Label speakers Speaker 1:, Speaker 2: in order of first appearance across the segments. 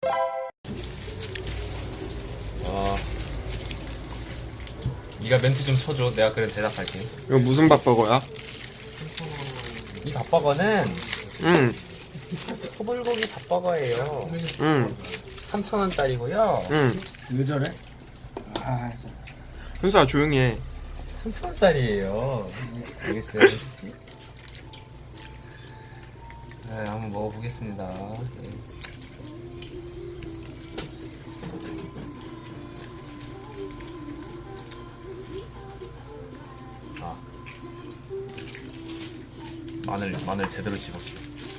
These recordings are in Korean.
Speaker 1: 네가 멘트 좀 쳐줘. 내가 그래 대답할게.
Speaker 2: 이거 무슨 밥버거야?
Speaker 1: 이 밥버거는
Speaker 2: 응,
Speaker 1: 소불고기 밥버거예요.
Speaker 2: 응,
Speaker 1: 3,000원짜리고요.
Speaker 2: 응.
Speaker 3: 왜 저래? 아,
Speaker 2: 현수야 조용히 해.
Speaker 1: 3,000원짜리예요. 알겠어요, 씨. 네, 한번 먹어보겠습니다. 네. 아, 마늘 제대로 씹었어.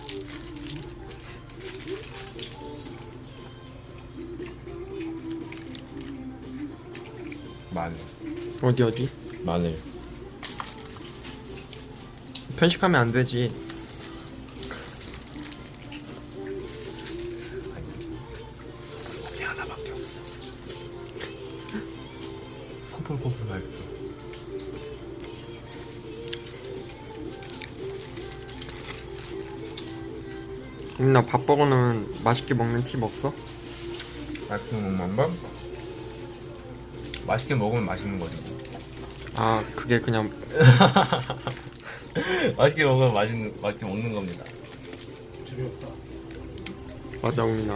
Speaker 1: 마늘.
Speaker 2: 어디?
Speaker 1: 마늘.
Speaker 2: 편식하면 안 되지.
Speaker 1: 여기 하나밖에 없어. 포풀포풀 맛있어.
Speaker 2: 나 밥버거는 맛있게 먹는 팁 없어?
Speaker 1: 맛있게 먹는 건? 맛있게 먹으면 맛있는 거지.
Speaker 2: 아, 그게 그냥
Speaker 1: 맛있게 먹으면 맛있게 먹는 겁니다.
Speaker 3: 재미없다.
Speaker 2: 맞아, 우민아.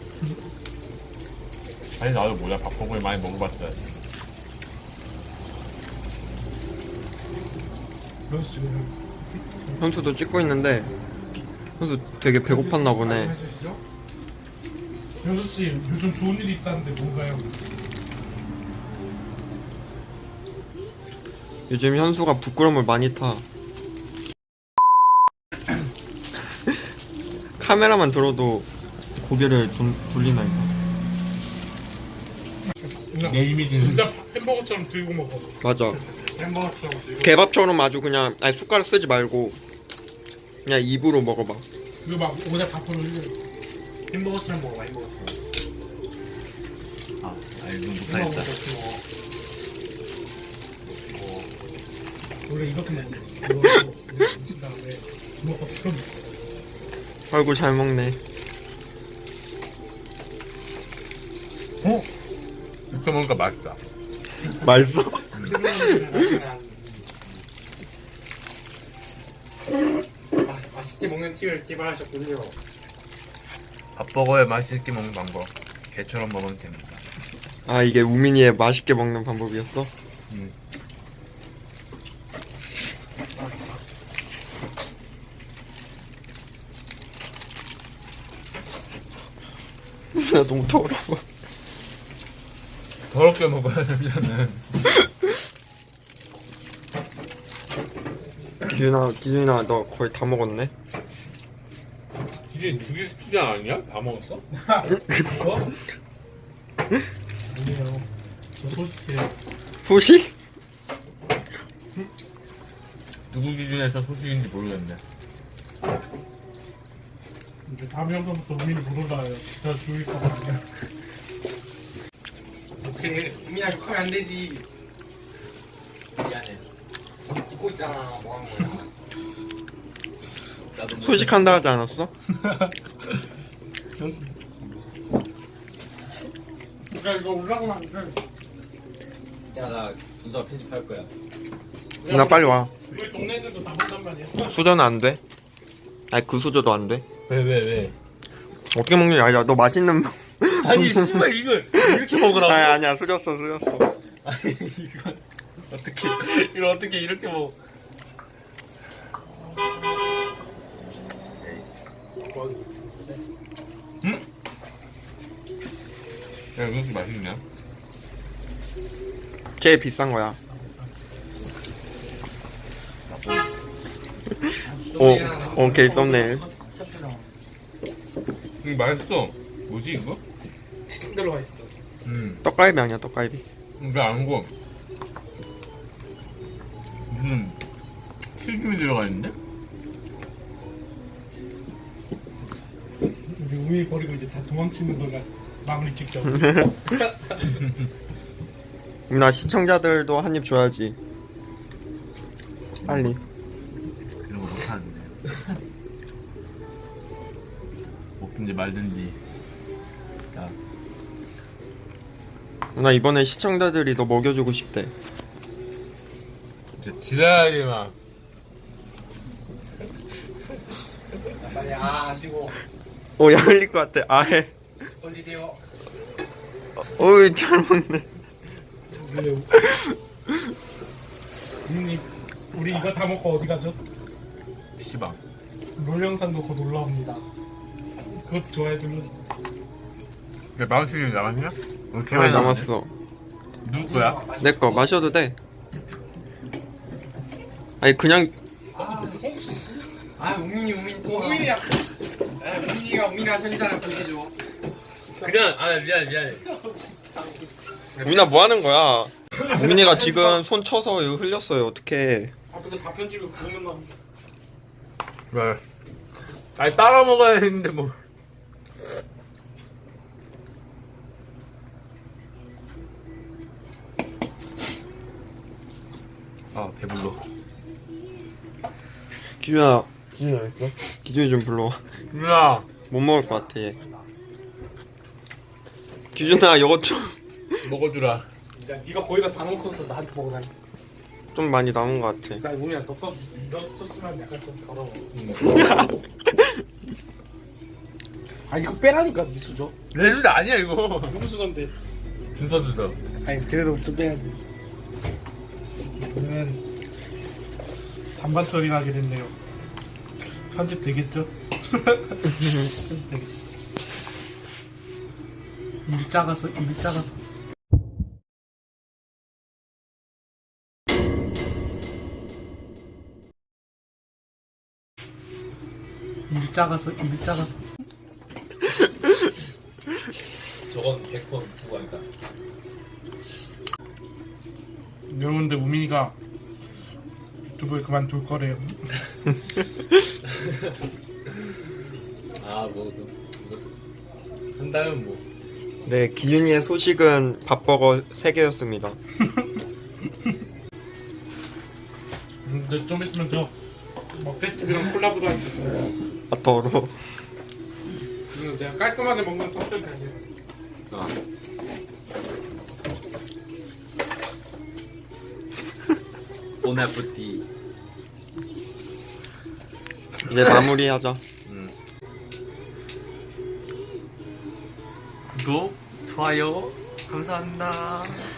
Speaker 1: 아니 나도 뭐야 밥버거를 많이 먹어봤어야지.
Speaker 3: 현수 지금
Speaker 2: 현수도 찍고 있는데 현수 되게 배고팠나 보네.
Speaker 3: 해주시죠? 현수 씨 요즘 좋은 일이 있다는데 뭔가요?
Speaker 2: 요즘 현수가 부끄러움을 많이 타. 카메라만 들어도 고개를 돌리나 이거.
Speaker 1: 내 이미지는
Speaker 3: 진짜 햄버거처럼 들고 먹어.
Speaker 2: 맞아.
Speaker 3: 햄버거처럼 들고.
Speaker 2: 개밥처럼 아주 그냥 아니 숟가락 쓰지 말고 그냥 입으로 먹어봐.
Speaker 3: 그거 막 오다 밥을 햄버거처럼 먹어. 햄버거처럼.
Speaker 1: 이건
Speaker 3: 햄버거
Speaker 1: 못하겠다.
Speaker 3: 같이 먹어. 원래 이렇게 먹는 거. 이거 드신 다음에 주먹밥처럼 먹어.
Speaker 2: 아이고 잘 먹네.
Speaker 1: 이렇게 먹으니까 맛있다.
Speaker 2: 맛있어?
Speaker 3: 맛있게 먹는 팁을 개발하셨군요.
Speaker 1: 밥버거에 맛있게 먹는 방법. 개처럼 먹으면 됩니다.
Speaker 2: 아 이게 우민이의 맛있게 먹는 방법이었어? 나 너무 더러워.
Speaker 1: 더럽게 먹어야 되면은
Speaker 2: 기준아 너 거의 다 먹었네?
Speaker 1: 이게 두개 피자 아니야? 다 먹었어?
Speaker 3: 아니에요. 저 솔직해요.
Speaker 2: 소식?
Speaker 1: 누구 기준에서 소식인지 모르겠네.
Speaker 3: 이제 다음 영상부터 우민이 못 올라와요. 저 죽일까봐.
Speaker 4: 오케이, 우민아 욕하면 안 되지.
Speaker 1: 미안해.
Speaker 4: 찍고 있잖아. 뭐 하는 거야?
Speaker 1: 나도
Speaker 2: 소식한다 하지 않았어?
Speaker 3: 그러니까 이거 올라가면 안 돼.
Speaker 4: 야, 나 분석 편집할 거야.
Speaker 2: 나 빨리 와.
Speaker 3: 우리 동네 애들도 다 본단 말이야.
Speaker 2: 수저는 안 돼? 아니 그 수저도 안 돼?
Speaker 1: 왜?
Speaker 2: 어떻게 먹느냐? 아니야 너 맛있는
Speaker 1: 아니 씨발 이걸 이렇게 먹으라고?
Speaker 2: 아니 아니야 수저어.
Speaker 1: 아니 이걸 어떻게 이렇게 먹어? 응? 야 이것도 맛있냐?
Speaker 2: 제일 비싼 거야. 오케이 썸네일.
Speaker 1: 이거 맛있어. 뭐지 이거?
Speaker 3: 치킨 들어가 있어.
Speaker 2: 떡갈비 아니야 떡갈비.
Speaker 1: 이게 아니고 무슨 튀김이 들어가 있는데?
Speaker 3: 우리 우민이 버리고 이제 다 도망치는 거가 마무리 직접.
Speaker 2: 나 시청자들도 한 입 줘야지. 빨리.
Speaker 1: 이런 거 못하는데. 먹든지 말든지. 자,
Speaker 2: 나 이번에 시청자들이 너 먹여주고 싶대.
Speaker 1: 이제 지랄하지 마.
Speaker 4: 빨리 하시고
Speaker 2: 야 흘릴 것 같아. 아해.
Speaker 4: 돌리세요.
Speaker 2: 어이 잘 먹네.
Speaker 3: 그래요. 형님, 우리 이거 다 먹고 어디 가죠?
Speaker 1: 시방.
Speaker 3: 롤 영상도 곧 올라옵니다. 그것도 좋아요 눌러주세요.
Speaker 1: 야, 마우스님 남았냐? 오케이,
Speaker 2: 아, 남았어.
Speaker 1: 누구 거야?
Speaker 2: 내 거 마셔도 돼. 아니 그냥
Speaker 4: 아 우민이 우민이야. 우민이가 편집자랑 보내줘.
Speaker 1: 그냥 미안해.
Speaker 2: 우민아 뭐 하는 거야? 우민이가 지금 손 쳐서 이거 흘렸어요. 어떡해.
Speaker 3: 아 근데 다 편집을 그러면 나.
Speaker 1: 왜? 아니 따라 먹어야 했는데 뭐. 아 배불러.
Speaker 2: 기준아 어딨어? 기준이 좀 불러와.
Speaker 1: 누나.
Speaker 2: 못 먹을 것 같아 얘. 기준아 이거
Speaker 1: 먹어주라.
Speaker 3: 야 네가 거의 다 먹어서 나한테 먹으라니.
Speaker 2: 좀 많이 남은 것 같아.
Speaker 3: 나 우미야 너가 넣었으면 약간 좀 더러워. 아 이거 빼라니까 네 수저.
Speaker 1: 내 주제 아니야 이거.
Speaker 3: 누구 수저인데?
Speaker 1: 준서.
Speaker 3: 아니 그래도 좀 빼야지. 오늘은 잔반 처리하게 됐네요. 편집 되겠죠? 편집 되겠죠. 입이 작아서. 입이 작아서
Speaker 4: 저건 100% 누구 아니다.
Speaker 3: 여러분들 우민이가 유튜브를 그만둘 거래요.
Speaker 4: 아뭐 이거 한다면 뭐.
Speaker 2: 네 기준이의 소식은 밥버거 3개였습니다.
Speaker 3: 근데 좀 있으면 저 먹대집이랑 콜라보도 할 거예요.
Speaker 2: 아 더러워.
Speaker 3: 이거 제가 깔끔하게 먹는 성격이 아니에요.
Speaker 4: 보나푸티.
Speaker 2: 이제 마무리하자.
Speaker 1: 구독, 좋아요, 감사합니다.